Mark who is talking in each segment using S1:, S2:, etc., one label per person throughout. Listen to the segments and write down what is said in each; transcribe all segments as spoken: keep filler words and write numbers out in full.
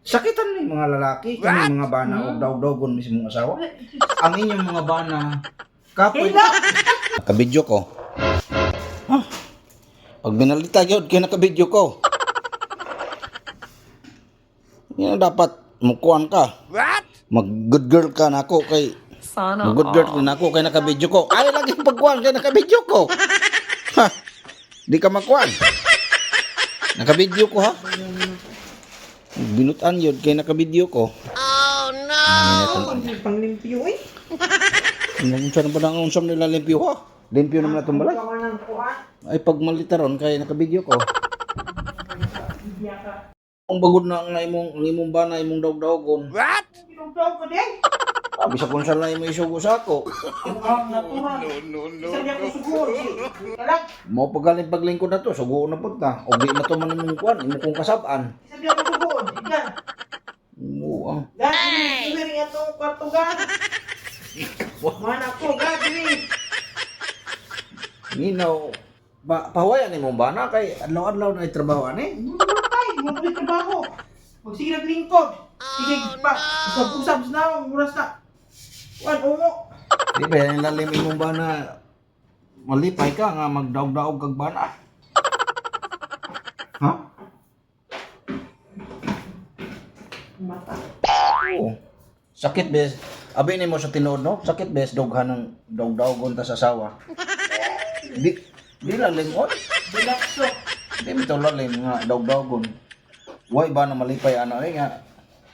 S1: Sakitan ni mga lalaki, kami mga bana o daw-dogon mismo asawa. Ang inyong mga bana, kapoy. Nakabidyo ko. Ah, pag binalita yun, kaya nakabidyo ko. Yan dapat mukuhan ka.
S2: What?
S1: Mag-good girl ka na ako kay...
S3: Sana
S1: Mag-good girl ka na ako kay nakabidyo ko. Ay, lagi pagkuhan kay nakabidyo ko. Ha? Di ka makuhan. Nakabidyo ko ha. Binutan yun kay nakabidyo ko.
S2: Oh no!
S4: Hindi pang limpyo eh.
S1: Unsa na ba nang unsam nila limpyo ha? Limpyo naman na itong balay.
S4: Gawa ng kuha.
S1: Ay pag malitaron kay nakabidyo ko. Ang bagod na ang imong ang imong bana imong dawg-dawgon.
S2: What?
S4: Pinugdaw ko din.
S1: Sabi sa kung saan na imong isugo sa ako.
S4: Ang natural.
S2: No, no,
S4: Isa niya ko siguro. Kalag.
S1: Mo pagaling paglingkod na to, sugo na pud ta. Og di na to man imong kuan, imong kung kasab-an.
S4: Isa niya ko siguro. Ikan.
S1: Oo. ah.
S4: Gani. Isa rin itong kwarto gan. Mana ko gani.
S1: Minaw. Pa pahawayan imong bana kay adlaw-adlaw na trabaho ani.
S4: Hindi mo namatay. Hindi mo tuloy trabaho. Huwag sige naglingkod. Sige pa. Usap-usap na. Muras na. Wan, ungo.
S1: Di ba yan lalim imong bana malipay ka nga magdaog-daog kag bana. Ha?
S4: Mata.
S1: Oo. Sakit bes. Abi nimo sa tinuod no? Sakit bes doghan ng daog-daogon ta sa asawa. Di di lalim oy.
S4: Bilakso.
S1: Di mo to lalim nga daog-daogon. Why ba na malipay ano eh nga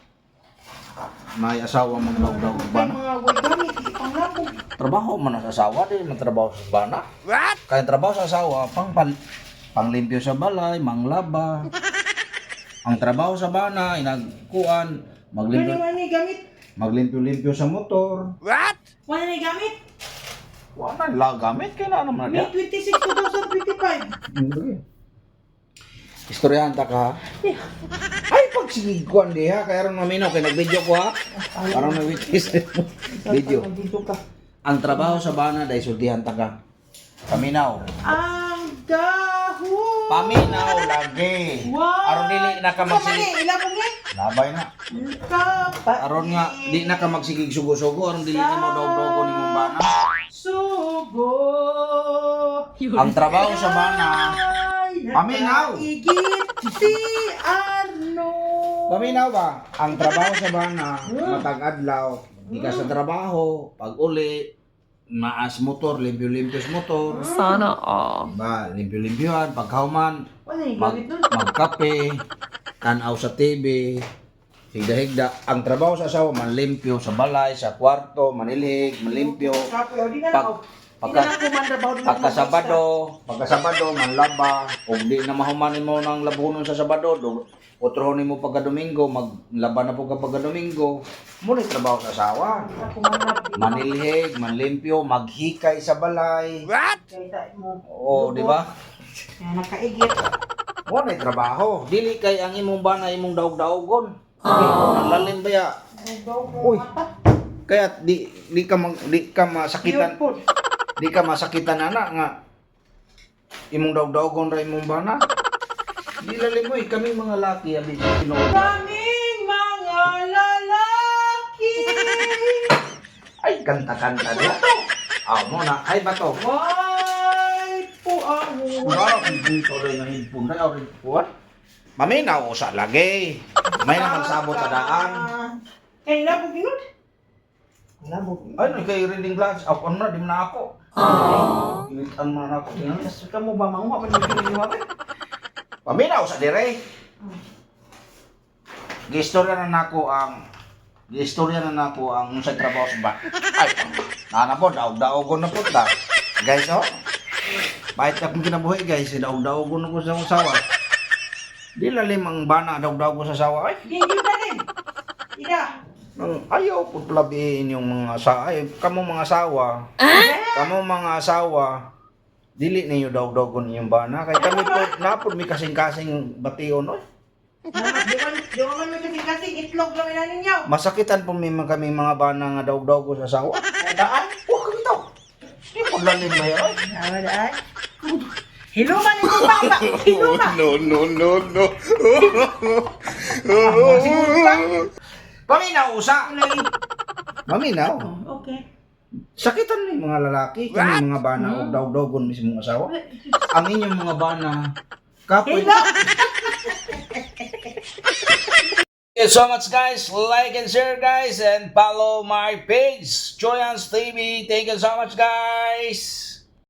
S1: may asawa mo daog-daog
S4: Ay,
S1: bana.
S4: mga wagami. Panglapog.
S1: Trabaho man sa asawa di man trabaho sa bana.
S2: What?
S1: Kaya trabaho sa asawa pang pal panglimpyo sa balay, manglaba. Ang trabaho sa bana inagkuan
S4: Ano
S1: maglimpyo
S4: naman ni gamit?
S1: maglimpyo-limpyo sa motor.
S2: What?
S4: Wala na gamit?
S1: Wala la gamit kay na naman
S4: May
S1: niya.
S4: twenty-six, twenty twenty-five.
S1: Istoryahan ta ka. ha? Ay pag sige kuan di ha kaya ron maminaw kay nag-video ko ha. Parang na witness video.
S4: Dito ka.
S1: Ang trabaho sa bana dahil sultihan ta ka. Paminaw.
S4: Ang dahon!
S1: Paminaw lagi.
S4: Wow!
S1: Aron dili na ka
S4: Ikaw
S1: magsig.
S4: mali, ilang mo nga?
S1: Labay na.
S4: Kapa.
S1: Aron nga di na ka magsigig sugo-sugo aron dili nimo dog-dogo nimong bana.
S4: Sugo.
S1: Ang trabaho sa bana. Paminaw.
S4: Igit si Arno.
S1: Paminaw ba? Ang trabaho sa bana matag adlaw. Di ka sa trabaho, pag uli maas motor, limpyo-limpyo sa motor.
S3: Sana all.
S1: Ba, limpyo-limpyohan, pagkauman,
S4: Wala yung
S1: mag,
S4: gamit nun.
S1: magkape, tanaw sa T V, higda-higda. Ang trabaho sa asawa, manlimpyo sa balay, sa kwarto, manilhig, manlimpyo.
S4: Kapoy, o di na
S1: Pag,
S4: ako.
S1: pagka,
S4: Di na ako mandrabaho din ako
S1: pagka
S4: mag-extra.
S1: Sabado, pagka Sabado, manlaba. Kung di na mahumanin mo ng labunon sa Sabado, do, utrohonin mo pagka Domingo, maglaba na po ka pagka Domingo. Muna yung trabaho sa asawa.
S4: Di na ako manlab.
S1: Manilhig, manlimpyo, maghikay sa balay.
S2: What?
S4: Kaya mo.
S1: Oo, di ba?
S4: Kaya nakaigit.
S1: Wala yung trabaho. Dili kay ang imong bana imong daog-daogon. Ang lalim ba ya?
S4: Ang daw ko
S1: Uy.
S4: mata.
S1: Kaya di di ka mag, di ka masakitan,
S4: Beautiful.
S1: di ka masakitan ana nga imong daog-daogon ra imong bana. Di lalim mo eh, kami mga laki abi tinuod.
S4: Kaming mga lalaki.
S1: Ay kanta-kanta dia. Ah, mo na ay bato.
S4: Why po ang
S1: Wow, dito rin ang impun na rin puwan. Maminaw sa lagi. May na magsabot sa daan.
S4: Kaya labog yun? Labog yun.
S1: Ay, kay reading glass. Ako na, di mo na ako. Ilitan mo na ako.
S4: Nasuka mo ba manguha pa ng mga ba?
S1: Paminaw sa dire. Gistorya na nako ang gistorya na nako ang sa trabaho sa ba. Ay, nana po, daog-daogon na po ta. Guys, oh. Bahit akong kinabuhi, guys. Daog-daogon ako sa usawa. Di lalim ang bana, daog-daogon sa asawa. Ay,
S4: Hindi yun na rin. Ida.
S1: nang ayaw po plabihin yung mga sa ay kamo mga asawa. Kamo mga asawa. Dili ninyo daog-daogon yung bana kay kami po napod mi kasing-kasing bation oy.
S4: Di man di man may kasi kasi itlog lang ina ninyo.
S1: Masakitan po mi man kami mga bana nga daog-daogon sa asawa.
S4: Daan.
S1: Oh, kami to. Di po lalim na yan. oy.
S4: Nawa daan. Hiluman ni mo baba. Hiluman.
S2: no, no, no, no.
S4: Ah, siguro ba?
S1: Paminaw usa.
S4: Ulay.
S1: Maminaw.
S4: Oh, okay.
S1: Sakitan ni mga lalaki, kani mga bana o daw-dawgon mismo asawa. Ang inyong mga bana kapoy.
S4: Hello.
S1: Thank you so much guys. Like and share guys and follow my page, Joyans T V. Thank you so much guys.